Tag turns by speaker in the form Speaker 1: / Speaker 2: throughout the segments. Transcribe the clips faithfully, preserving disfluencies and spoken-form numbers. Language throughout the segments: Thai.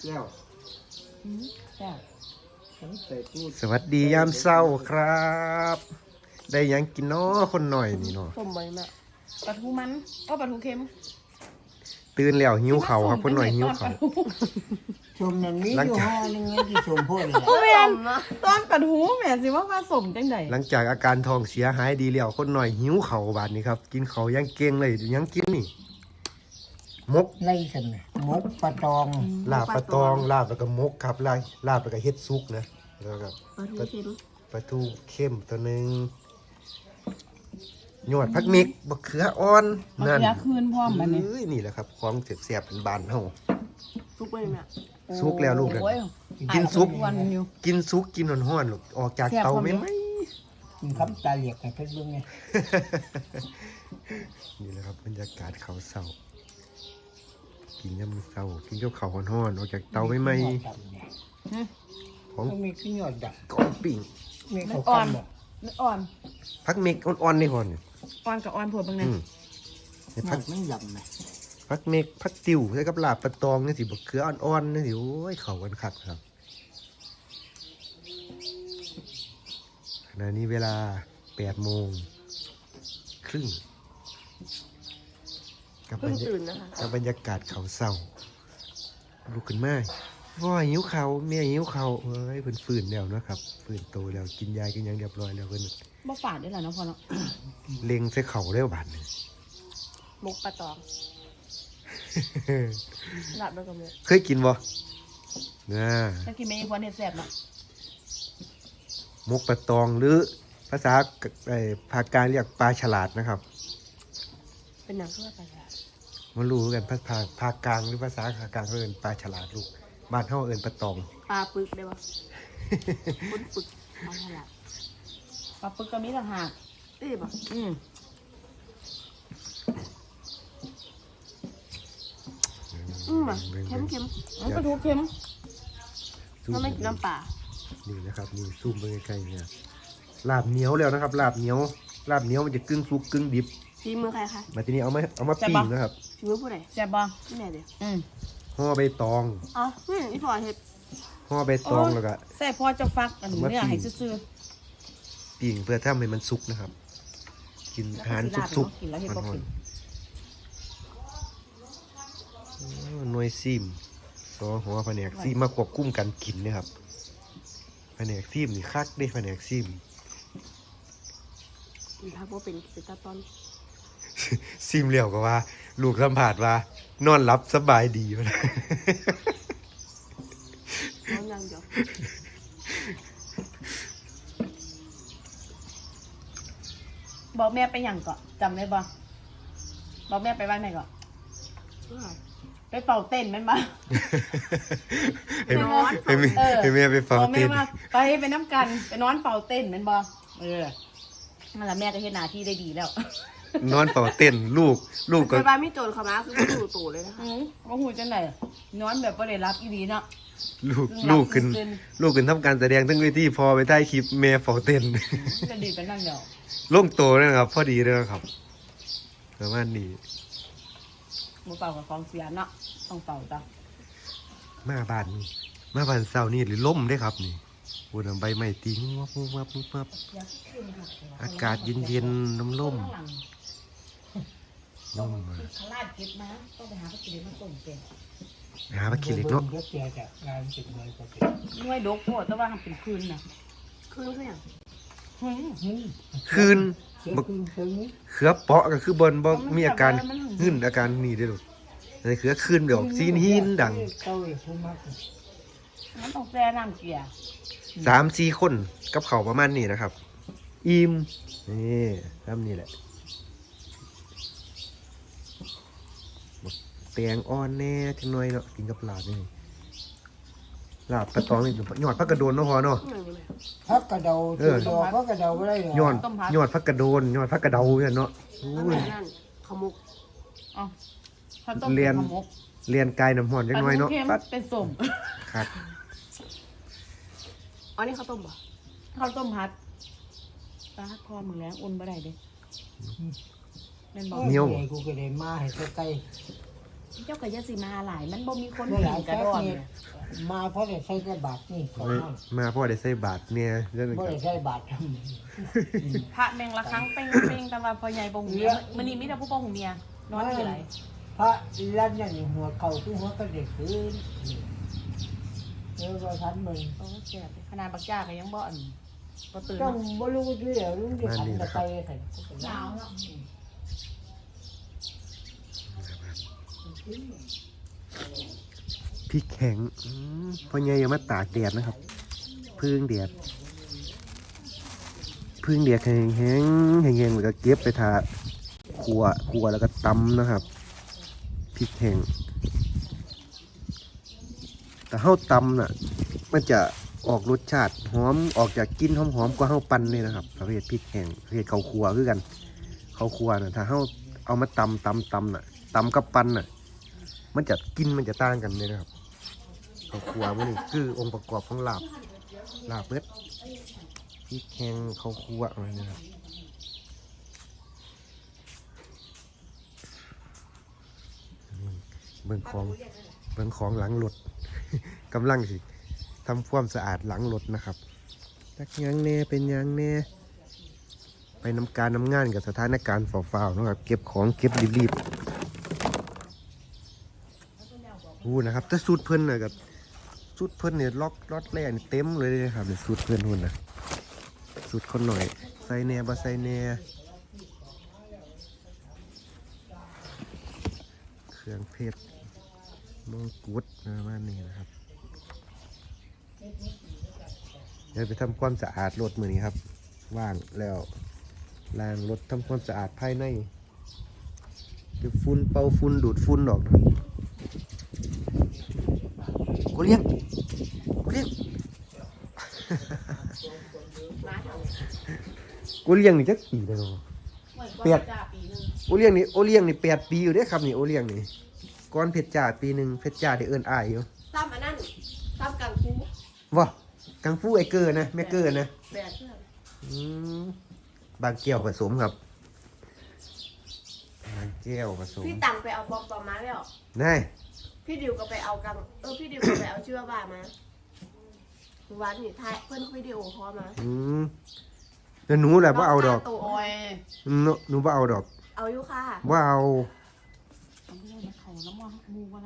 Speaker 1: แล้วสวัสดียามเศร้าครับได้ยังกินน้อคนหน่อยนี่เนาะ
Speaker 2: สมบัติน่ะปลาทูมันก็ปลาทูเค็ม
Speaker 1: ตื่นแล้วหิวเข่าครับคนหน่อยหิวเข่า
Speaker 3: ชมนั่นนี้อยู่ห้อนึงไงที่ชมพ่อเลย
Speaker 2: โอ้แม่ตอนปลาทูแม่สิว่าผสมจังได
Speaker 1: หลังจากอาการท้องเสียหายดีแล้วคนหน่อยหิวเข่าบาดนี้ครับกินเข่ายังเก่งเลยยังกินนี่มก
Speaker 3: ไล่กันนะมกปลาตอง
Speaker 1: ลาบปลาตองลาบแล้วก็มกครับลาลาบแล้วก็เฮ็ดซุกนะแล้วก็ปลาทูเค็มปลาทูเข้มตัวนึงหยอดผักมิกบักเขืออ่อนนั่นบักเขือคืนพร้อมบัดนี้เอ้ยนี่แหละครับของแซ่บๆเป็นบ้านเฮา
Speaker 2: ซุกไปแม่
Speaker 1: ซุกแล้วลูกเด้อกินซุกกินซุกกินร้อนๆลูกออกจากเตาแม่นมั้ย
Speaker 3: กินคำตาเหลียกให้เพิ่นเบิ่งไง
Speaker 1: นี่แหละครับบรรยากาศเขาเศร้ากินยามมื้อเช้ากินกับข้าวร้อนๆออกจากเตาใหม่ๆของ
Speaker 3: มีขี้ยอดดัก
Speaker 1: ก้อนปิ้ง
Speaker 3: มีข้าวอ่อน
Speaker 2: อ่อน
Speaker 1: ผักเม็กอ่อนๆนี่ก่อน
Speaker 2: อ่อนกับอ่อนพวกบางนั้น
Speaker 3: ผักไม่ยำนะ
Speaker 1: ผักเม็กผักติ๋วใส่กับลาบปลาตองนี่สิบักเขืออ่อนๆนี่สิโอ้ยเข้ากันคักครับขณะนี้เวลาแปดโมงครึ่งกับบรรยากาศกับบรรยากาศเขาเศร้าลุกขึ้นมาว่าหิวเขาเมียหิวเขาเฮ้ยเพิ่นฟื้นแล้วนะครับฟื้นโตแล้วกินยากินยังเรียบร้อยแล้วเพิ่น
Speaker 2: บ่ฝาดได้แล้วเนาะพ่อเนาะ
Speaker 1: เล็งใส่เข่าแล้วบาดนึง
Speaker 2: มกปลาตองหลับแล้วก็มื้อ
Speaker 1: เคยกินบ่น่า
Speaker 2: ถ้ากินไม่ควรเฮ็ดแซ่บเนาะ
Speaker 1: มกปลาตองหรือภาษาไอ้ภาคกลางเรียกปลาฉลาดนะครับ
Speaker 2: เป็นหยังคือว่าปลาฉลาด
Speaker 1: มันรู้กันภาษาภาคกลางหรือภาษาภาคกลางเขาเอิ้นปลาฉลาดลูกบ้านเฮาเอิ้นปลาตอง
Speaker 2: ปลาปึกได้บ่ปึกปึกปลาฉลาดปลาปึกก็มีต่างหากเอ้ยบ่อืมอืมเค็มเค็มปลาทูเค็มก็ไม่กินน้ำปลา
Speaker 1: นี่นะครับนี่ซูมไปใกล้ๆเนี่ยลาบเหนียวแล้วนะครับลาบเหนียวลาบเหนียวมันจะกึ่งสุกกึ่งดิบ
Speaker 2: ฝีมือใครคะ
Speaker 1: มาทีนี้เอามาเอามาปิ้งนะครับ
Speaker 2: ฝีมือผู้ใดแซ่บบ่ที่ไหนเด้ออืม
Speaker 1: ห่อใบตอง
Speaker 2: อ๋อนี่อีพ่อเฮ็ด
Speaker 1: ห่อใบตองแล้วก็
Speaker 2: ใส่พ่อจะฟักอันนี้เนี่ยให้ซื่อ
Speaker 1: ๆปิ้งเพื่อทำให้มันสุกนะครับกินอาหารสุกๆมันหอนหน่วยซิมซอหัวแผนกซิมมาควบคุมการกินเนี่ยครับแผนกซิมนี่คักได้แผนกซิม
Speaker 2: ถ้าว่าเป็นเป็นตาตอน
Speaker 1: ซิมเหลี่ยวก็ว่าลูกสัมผัสว่านอนหลับสบายดีวะน
Speaker 2: อนยังเดี๋ยวบอกแม่ไปอย่างก่อนจำได้ปะบอกแม่ไปบ้านไหนก่อนไปเฝ้าเต้นแม่นปะ
Speaker 1: ไปนอนไปแม่ไปเฝ้าเต้น
Speaker 2: ไปไปน้ำกันไปนอนเฝ้าเต้นแม่นปะเออนั่นแหละแม่ก็เฮ็ดหน้าที่ได้ดีแล้ว
Speaker 1: นอนเฝ้าเต้นลูกลูกก็
Speaker 2: ไปบ้านไม่โจรเขามาคือไม่ดูตู่เลยนะคะว่าหูจังไหนนอนแบบไม่ได้รับอีดีเนาะ
Speaker 1: ลูกลูกขึ้นลูกขึ้นทำการแสดงทั้งเวทีพอไปถ่ายคลิปแม่เฝ้าเต้น
Speaker 2: จะดีเป็นนั่งเดียว
Speaker 1: ลงโตเลยครับพอดีเลยครับประมาณนี้
Speaker 2: มาเป่ากับฟองเสียเนาะต้องเป่าจ้ะ
Speaker 1: มาบ้านนี่มาบ้านเศร้านี่หรือล่มได้ครับนี่โอ้ยใบไม้ตีงวับวับวับวับอากาศเย็นๆน้ำล่ม
Speaker 2: ล่มมาขลาดเก็บมาต้องไปหาปลาคิริมาต้มเป็น
Speaker 1: หาปลาคิริเนาะ
Speaker 2: น้อยดกโคตรแต่ว่าเป็นคืนน่ะคืนคืออย่าง
Speaker 1: คืนเขือเปาะก็คือบนบ่มีอาการหึ่นอาการนี่ได้หรอกแต่เขือคืนเดี๋ยวซีนหินดัง
Speaker 2: มันต้องแซ่น้ำเกลือ
Speaker 1: สามสี่คนกับเขาประมาณนี้นะครับอิ่มนี่ทำนี่แหละแตงอ่อนแน่จังหน่อยเนาะกินกับลาบนี่ลาบปลาตองนี่ยอดผักกระโดนเนาะพอเนาะ
Speaker 3: ผักกระเดาเออผักกระเดาอะไร
Speaker 1: เนาะยอดยอดผักกระโดนยอดผักกระเดาเนี่ยเนาะ
Speaker 2: ขมุกอ๋อ
Speaker 1: เรียนเรียนกายน้ำหอนจังหน่อยเนาะ
Speaker 2: ปัดเป็นส้ม
Speaker 1: ครับ
Speaker 2: อันนี้ข้าวต้มป่ะข้าวต้มพัดตาคอมึงแล้วอุ่นบ่ได้เด้
Speaker 3: เนียวกูก็ได้มาให้ใกล้
Speaker 2: เจ้าก็อย่าสิมาหลายมันบ่มีคน
Speaker 3: เมื่อ
Speaker 2: กิ
Speaker 3: หลาย
Speaker 2: นกระ
Speaker 3: แค่
Speaker 2: ดอน
Speaker 3: นี้
Speaker 2: เนี่ย
Speaker 3: มาเพราะได้ใช้กระบาดนี่เขา
Speaker 1: เฮ้ย
Speaker 3: ห้อง
Speaker 1: มาพ่อได้ใส่บาทเนี่ยเรื่อง
Speaker 3: เพราะ
Speaker 1: ครั
Speaker 3: ได้
Speaker 1: บ
Speaker 3: ใช้บาทท
Speaker 2: พระแมงละครั้งเป้งเป้งแต่ว่าพ่อใหญ่บ่หูเมียมื้อนี้มีแต่ผู้บ่หูเมียนอนอยู่ไหน
Speaker 3: ำพระลั่นนั่นหัวเข่าคือหัวกระเด็กคืนเออว่าทันมึง
Speaker 2: โอ้แซ่บขนาดบักจ้าก็ยังบ่อันบ่ตื่น
Speaker 3: ต้อง
Speaker 2: เนาะ
Speaker 3: บ่รู้ด้วยเหรอรู้ดิขันตะไคร้ใส่
Speaker 2: หนาวเนาะ
Speaker 1: พริกแข็งอืมพ่อใหญ่ยังมาตากแดดนะครับพึ่งแดดพึ่งแดดแห้งแห้งแห้งแห้งแล้วก็เก็บไปทาขัวขัวแล้วก็ตำนะครับพริกแห้งแต่เฮาตำน่ะมันจะออกรสชาติหอมออกจากกลิ่นหอมๆกว่าเฮาปั่นนี่นะครับประเภทพริกแห้งประเภทข้าวคั่วคือกันข้าวคั่วน่ะถ้าเฮาเอามาตำตำตำน่ะตำกับปั่นน่ะมันจะกินมันจะต่างกันเลยนะครับข้าวคั่วมันนี่คือองค์ประกอบของลาบลาบเม็ดพริกแห้งข้าวคั่วอะไรนี่ครับเบิ่งของเบิ่งของหลังรถ กำลังสิทำความสะอาดหลังรถนะครับจักหยังแน่เป็นหยังแน่ไปนำการนำงานกับสถานการณ์ฝ่าวๆนะครับเก็บของเก็บรีบๆอู้นะครับแต่สูตรเพิ่นน่ะกับสูตรเพิ่นเนี่ยล็อกล็อตแรกนี่เต็มเลยนะครับเนี่ยสูตรเพิ่นหุ่นนะสูตรคนหน่อยใส่แน่บ่ใส่แน่เครื่องเพชรมงกุฎประมาณนี้นะครับเดี๋ยวไปทำความสะอาดรถมือนี้ครับว่างแล้วล้างรถทำความสะอาดภายในเก็บฝุ่นเป่าฝุ่นดูดฝุ่นออกนะครับกูเลี้ยงกูเลี้ยง
Speaker 2: มาเถอะ
Speaker 1: กูเลี้ยงนี่จักปีแล้วเนาะ
Speaker 2: เปียดจ้าปีนึง
Speaker 1: โอเลี้ยงนี่โอเลี้ยงนี่แปดปีอยู่เด้อครับนี่โอเลี้ยงนี่ก่อนเพชรจ่าปีหนึ่งเพชรจ่าที่เอิ้นอ้ายอยู่
Speaker 2: ซ้ำอันนั้นซ้ำกังคู
Speaker 1: ว้ากังฟูไอเกอร์นะแม่เกอร์นะ
Speaker 2: แบกเพื่อน
Speaker 1: อืมบางแก้วผสมครับบางแก้วผสม
Speaker 2: พี่ตังไปเอาปอมปอมมาแล้ว
Speaker 1: นาย
Speaker 2: พี่ดิวก็ไปเอากังเออพี่ดิวก็ไปเอาชื่อว่าบ้ามาวันนี้ท้ายเพื่อนวิดีโอคอลมา
Speaker 1: อืมแล้วหนูแหละว่าเอาดอก
Speaker 2: ตัวโอ้ย
Speaker 1: หนูหนูว่าเอาดอก
Speaker 2: เอาอยู่ค่ะ
Speaker 1: ว่าเอา
Speaker 2: เขาน้ำมันมูว่าไร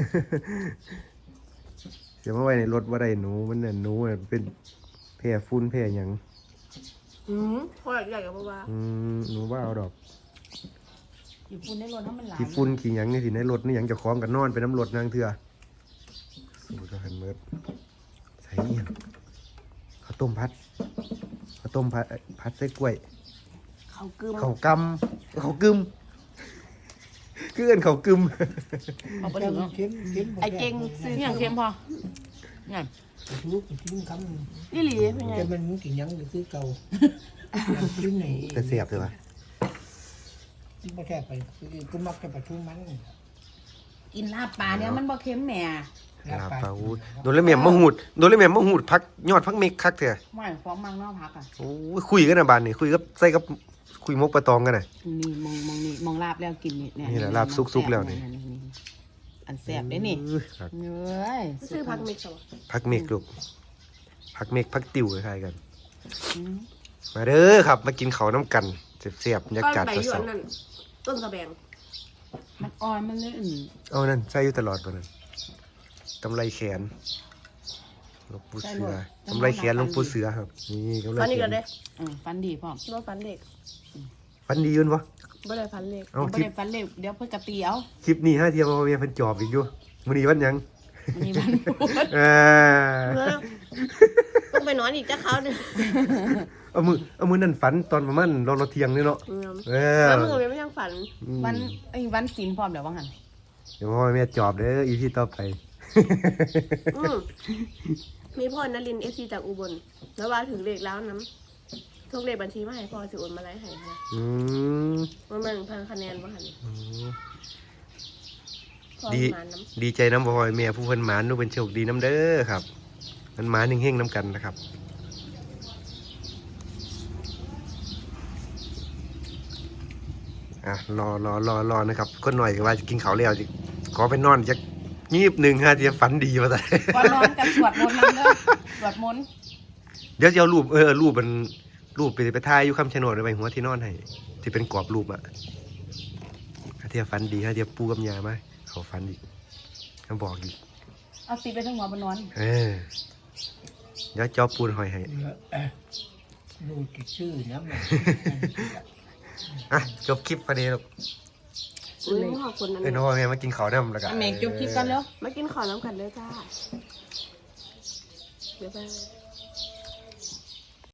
Speaker 1: เดี๋ยวมาไว้ในรถว่าได้หนูมันน่ะหนูน่ะเป็นแพร่ฟุ้นแพร่หยัง
Speaker 2: อืมพอใหญ่กับบ้า
Speaker 1: อืมหนูว่าเอาดอก
Speaker 2: อยู่ฝุ่นในรถถ้ามันหลาย
Speaker 1: ขี้ฟุ้นขี้หยังนี่สิในรถนี่หยังจะคล้องกันนอนไปน้ำรถนางเถื่อสูตรหันเมิดใส่เอียงข้าวต้มพัดข้าวต้มพัดเอ้ยพัดใส่กล้วย
Speaker 2: เขากึม
Speaker 1: ข้าวกำข้าวกึมคือเอินข้าวกึม
Speaker 2: เอาไปถึง
Speaker 3: เข็มเข็ม
Speaker 2: ไอเก่งซื้ออย่างเค็มพอไง
Speaker 3: ลูกกินคำ
Speaker 2: นี่หลีเป็นไง
Speaker 3: จะมันมึงกินยังคือเก่ากินไหน
Speaker 1: แต่เสียบเลยวะ
Speaker 3: ไม่แค่ไปกูมักจะไปทุ่มมัน
Speaker 2: กินลาบปลาเนี่ยมันบ่เค็มแหม่
Speaker 1: ลาปลาอูดโดนเลยแม่มะหูดโดนเลยแม่มะหูดพักยอดพักเมกคักเถอะ
Speaker 2: ไม่ฟ้องมังนอกพักอ่ะ
Speaker 1: โอ้ยคุยกันนะบานนี่คุยกับใส่กับคุยมกปลาตองกันน่ะ
Speaker 2: นี่มองมองนี่มองลาบแล้วกินนี่เนี่ย
Speaker 1: นี่แหละลาบสุกๆแล้วนี่
Speaker 2: อันแซ่บได้นี่
Speaker 1: อื้อครับ
Speaker 2: เนื้อ
Speaker 4: ซื้อพักมิกซ์เหรอ
Speaker 1: พักเมกลูกพักเมกพักติวคล้ายๆกัน
Speaker 2: อืม
Speaker 1: มาเด้อครับ มากินเขาวน้ำกันเสียบๆบรรยา
Speaker 4: ก้อน
Speaker 1: กาศ
Speaker 4: ใบหย
Speaker 1: ส
Speaker 4: วน
Speaker 1: ด
Speaker 4: นั่นต้นกระแบง
Speaker 2: มันอ่อนมันเลยอื่น
Speaker 1: ๆเอานั่นใส่อยู่ตลอดปะนั่นกำไรแขนหลวงปู่เสือกำไรแขนหลวงปู่เสือครับนี่กำไร
Speaker 4: ฟัน
Speaker 1: แข
Speaker 4: อีกแล้ว
Speaker 1: น
Speaker 4: เด้
Speaker 2: เออฟันดีพ่อม
Speaker 4: ว่าฟันเด็ก
Speaker 1: ฟันดีอยุ่นวะ
Speaker 4: ไม่ได้ฟันเล็ก
Speaker 1: เอา
Speaker 2: ไม่
Speaker 1: คลิป
Speaker 2: ได้ฟันเล็บเดี๋ยวเพื่อกระตีเอา
Speaker 1: คลิปนี้ห้าเทียมมาเมียเพิ่นจอบอีกอยู่มื้อนี้วันหยัง
Speaker 2: มันมีมันพูด
Speaker 1: เอ่า
Speaker 4: เพื่อต้องไปนอนอีกจะเขาเนี่ย
Speaker 1: เอามือเอามือนั่นฝันตอนประมาณรอรอเที่ยงนี่เนาะเออ
Speaker 4: แล้วมึงไม่ยังฝัน
Speaker 2: วันไอ้ยวันศีลพร้อมเดี๋ยวว่าหัน
Speaker 1: เดี๋ยวพ่อแม่จอบเด้ออีพีต่อไป
Speaker 4: อืมมีพ่อนรินเอฟซีจากอุบลแล้วว่าถึงเลขแล้วน้ำทุกเลขบัญชีมาให้พ่อสิโอนมาไล่ให้ค่ะ
Speaker 1: อืม
Speaker 4: มันเป็นพันคะแนนว่าหัน
Speaker 1: อืม
Speaker 4: พ่อ
Speaker 1: ดี
Speaker 4: มาน้
Speaker 1: ดีใจน้ำพ่อแม่ผู้เพิ่นหมานนูเป็นโชคดีน้ำเด้อครับ มันหมานเฮงๆน้ำกันนะครับอ่ะรอรอรอรอนะครับคนหน่อยก็ว่าจะกินข้าวแล้วจะขออไปนอนจักงีบหนึ่งฮะที่ฝันดีมาแต่
Speaker 2: ก่อนนอนกับสวดมนต์นั่นเด้อสวดมนต์
Speaker 1: เดี๋ยวจะเอารูปเออรูปมันรูปไปไปถ่ายอยู่คำชะโนดไปหัวที่นอนให้ที่เป็นกรอบรูปอะฮะที่ฝันดีฮะที่ปูกับยามาเขาฝันอีกเขาบอกอีก
Speaker 2: เอาตีไปทั้งหัวบนนอน
Speaker 1: เออเดี๋ยวจอปูนหอยให้
Speaker 3: ดูที่ชื่อนะมัน
Speaker 1: อ่ะจบคลิปพอดีลูก
Speaker 4: อุ้ยขอบคุณนะ
Speaker 1: เอ้ยน้องแม่มากินข้าวน้ำแล้วกัน
Speaker 2: อเมกจบคลิปกันแล้ว
Speaker 4: มากินขอน้ำกันเลยจ้าเดี๋ยวไป